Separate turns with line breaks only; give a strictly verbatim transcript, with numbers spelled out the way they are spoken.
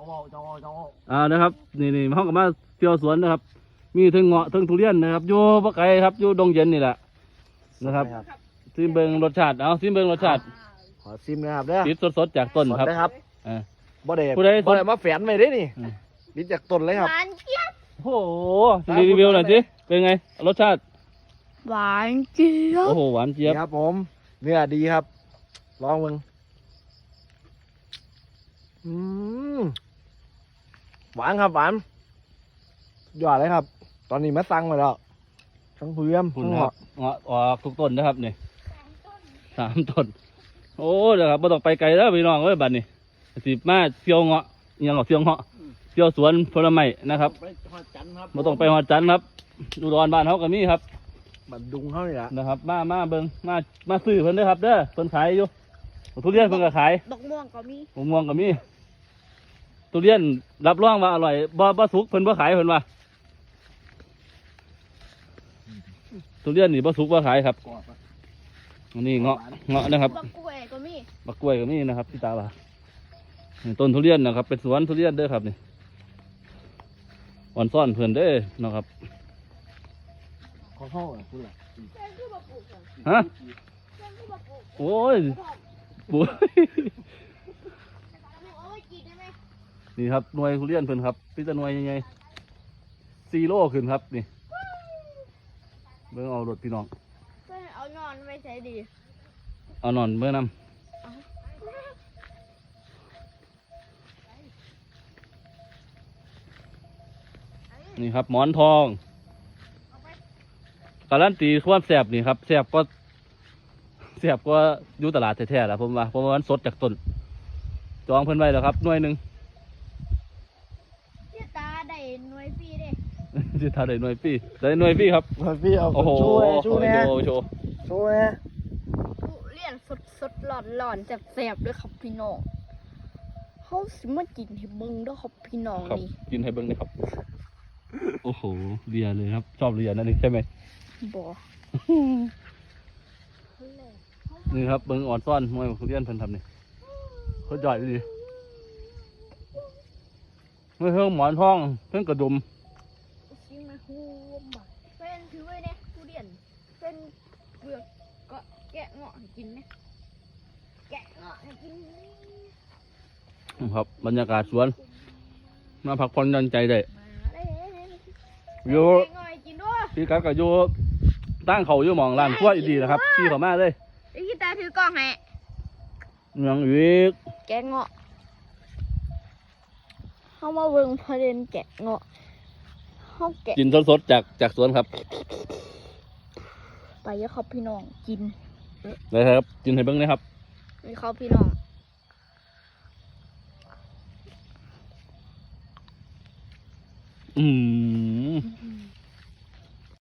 อ่านะครับนี่นี่ห้องกับมาเที่ยวสวนนะครับมีทั้งเงาะทั้งทุเรียนนะครับอยู่ปะไก่ครับอยู่ดงเย็นนี่แหละนะครับซิมเบิงรสชาติเอาซิมเบิงรสชาติ
ขอซิมนะครับเด้อ
ติดสดๆจากต้นครับ
นะครับ
อ่า
บ่ได้
ผู้ใด
บ่ได้มาแฝนไว้ได้นี่
อืม
ติดจากต้นเลยครับ
หวานเจี๊ยบ
โอ้โหรีวิวหน่อยสิเป็นไงรสชาติ
หวานเจี๊ยบ
โอ้โหหวานเจี๊ยบ
นี่ครับผมเนื้อดีครับลองมึงอืมหวานครับหวานยอดเลยครับ ตอนนี้มาสั่งมาแล้วทั้งเพื่อม
คุ
ทั้
ณ
ง
ค
ห
รั
อบ
เงาะออกทุกต้นนะครับนี่สามต้นโอ้เดี๋ยวครับไม่ต้องไปไกลแล้วพี่น้องเอ้ยบัดนี้สิมาเที่ยวเงาะอิหยังเงาะเที่ยวเงาะเที่ยวสวนผลไม้นะครับ
ไปหอดจันทร์ครับ
ไม่ต้องไปหอดจันทร์ครับอุดรบ้านเขาก็มีครับ
บัดดุงเขานี่แหละ
นะครับ มามาเบิ่งมามาซื้อเพิ่นเด้อครับเด้อเพิ่นขายอยู่ทุเรียนเพิ่นก็ขาย
ดอกม่วงก็มี
มะม่วงก็มีทุเรียนรับรองว่าอร่อยบ่บ่สุกเพิ่นบ่ขายเพิ่นว่าทุเรียนนี่บ่สุกบ่ขายครับอันนี้เงาะเงาะนะครับ
บักกล้วยก็มี
บักกล้วยก็มีนะครับพี่ตาว่านี่ต้นทุเรียนนะครับเป็นสวนทุเรียนเด้อครับนี่อ่อนซ่อนเพิ่นเด้อนะครับ
ของเขาอ่ะคุณล่ะ
แค่คือบักปลูกอะ
ฮะ
แค่คือบักปลูก
โอ้ยบุ้ย
เอาไว้กินได้ไหม
นี่ครับหน่วยทุเรียนเพิ่นครับพี่ตะหน่วยยังไงซีโร่ขึ้นครับนี่เบิ่งเอารถพี่น้อง
เพื่อนเอานอนไว้ใช้ดี
เอานอนเมื่อนำนี่ครับหมอนทองการันตีความแสบนี่ครับแสบก็แสบก็อยู่ตลาดแท้ๆแหละผมว่าเพราะว่ามันสดจากต้นจองเพิ่นไว้แล้วครับหน่วยหนึ่ง
ที่ตาได้หน่วยฟรีเด้
จะทาได้หน่วยพี่ได้หน่วยพี่ครับ
พี่เอา
โอ้โห
ชูเลยชูเนี่ย
โชว์โชว์
ชูเนี่ย
ทุเรียนสดสดๆหลอนหลอนๆแสบๆด้วยครับพี่น้องเขาสิมากินให้เบิ่งเด้วยครับพี่น้อง
ครับ
นี่
กินให้เบิ้งเลยครับโอ้โหเรียเลยครับชอบเรียนั่นนี่ใช่ไหม
บ่
นี่ครับเบิ้งอ่อนซ่อนมวยทุเรียนเพิ่นทำนี่เขาใหญ่ดีไม่เพิ่งหมอนทองเพิ่งกระดุม
ชิมาฮูมบ่เป็นถือไว้เนี่ยทุเรียนเป็นเปลือกก็แกะเงาะให้กินไหมแกะเงาะให้กินไหม
ครับบรรยากาศสวนมาพักผ่อนหย่อนใจได้
มาเลย
อยู่
แกะเงาะให้กินด้วย
พี่กัดกับอยู่ตั้งเขาอยู่หมองร้านขั้วอีดีนะครับพี่เขามาเลย
ไอ้กีตาถือกล้องให้
เมืองอีก
แกะเงาะเข้ามาเบิ่งประเด็นแกะเงาะเขาแกะ
กินสดๆจากจากสวนครับ
ไปเยอะครับพี่น้องกิน
เลยครับกินให้เบิ้งนะครับ
นี่ครับพี่น้อง
อืม